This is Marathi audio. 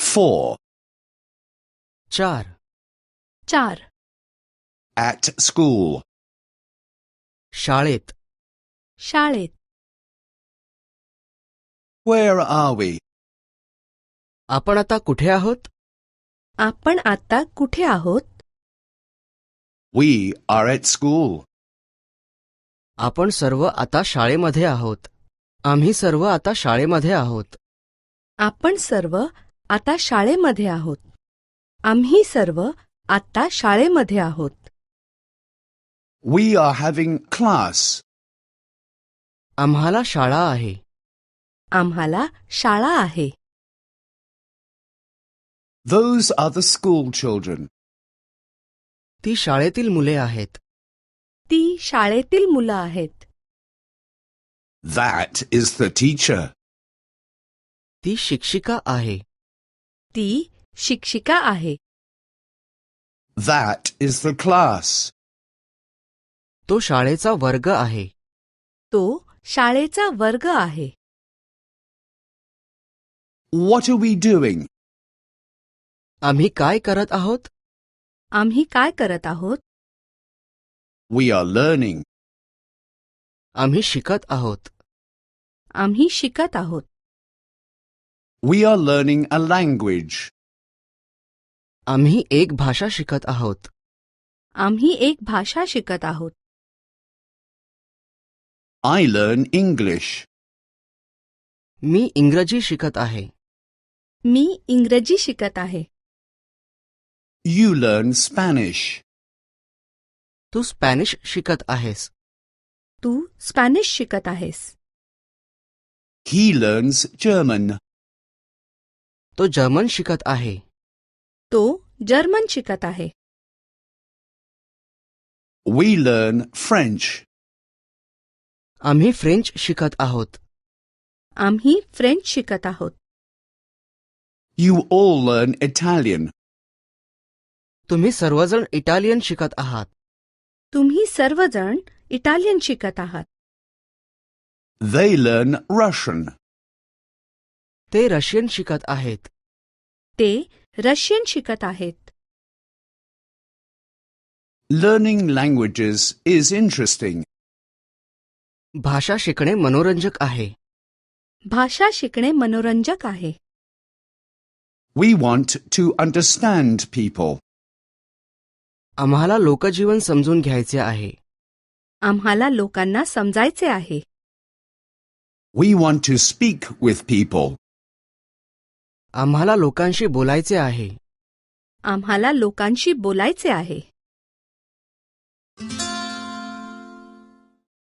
4. 4. 4. At school. शाळेत. शाळेत. Where are we? आपण आता कुठे आहोत? आपण आता कुठे आहोत? We are at school. आपण सर्व आता शाळेमध्ये आहोत. आम्ही सर्व आता शाळेमध्ये आहोत. आपण सर्व आता शाळेमध्ये आहोत. आम्ही सर्व आता शाळेमध्ये आहोत. We are having class. आम्हाला शाळा आहे. आम्हाला शाळा आहे. Those are the school children. ती शाळेतील मुले आहेत. ती शाळेतील मुलं आहेत. That is the teacher. ती शिक्षिका आहे. ती शिक्षिका आहे. That is the class. तो शाळेचा वर्ग आहे. तो शाळेचा वर्ग आहे. What are we doing? आम्ही काय करत आहोत? आम्ही काय करत आहोत? We are learning. आम्ही शिकत आहोत. आम्ही शिकत आहोत. We are learning a language. आम्ही एक भाषा शिकत आहोत. आम्ही एक भाषा शिकत आहोत. I learn English. मी इंग्रजी शिकत आहे. मी इंग्रजी शिकत आहे. You learn Spanish. तू स्पॅनिश शिकत आहेस. तू स्पॅनिश शिकत आहेस. He learns German. तो जर्मन शिकत आहे. तो जर्मन शिकत आहे. We learn French. आम्ही फ्रेंच शिकत आहोत. आम्ही फ्रेंच शिकत आहोत. You all learn Italian. तुम्ही सर्वजण इटालियन शिकत आहात. तुम्ही सर्वजण इटालियन शिकत आहात. They learn Russian. ते रशियन शिकत आहेत. ते रशियन शिकत आहेत. Learning languages is interesting. भाषा शिकणे मनोरंजक आहे. भाषा शिकणे मनोरंजक आहे. We want to understand people. आम्हाला लोकजीवन समजून घ्यायचे आहे. आम्हाला लोकांना समजायचे आहे. We want to speak with people. आम्हाला लोकांशी बोलायचे आहे. आम्हाला लोकांशी बोलायचे आहे.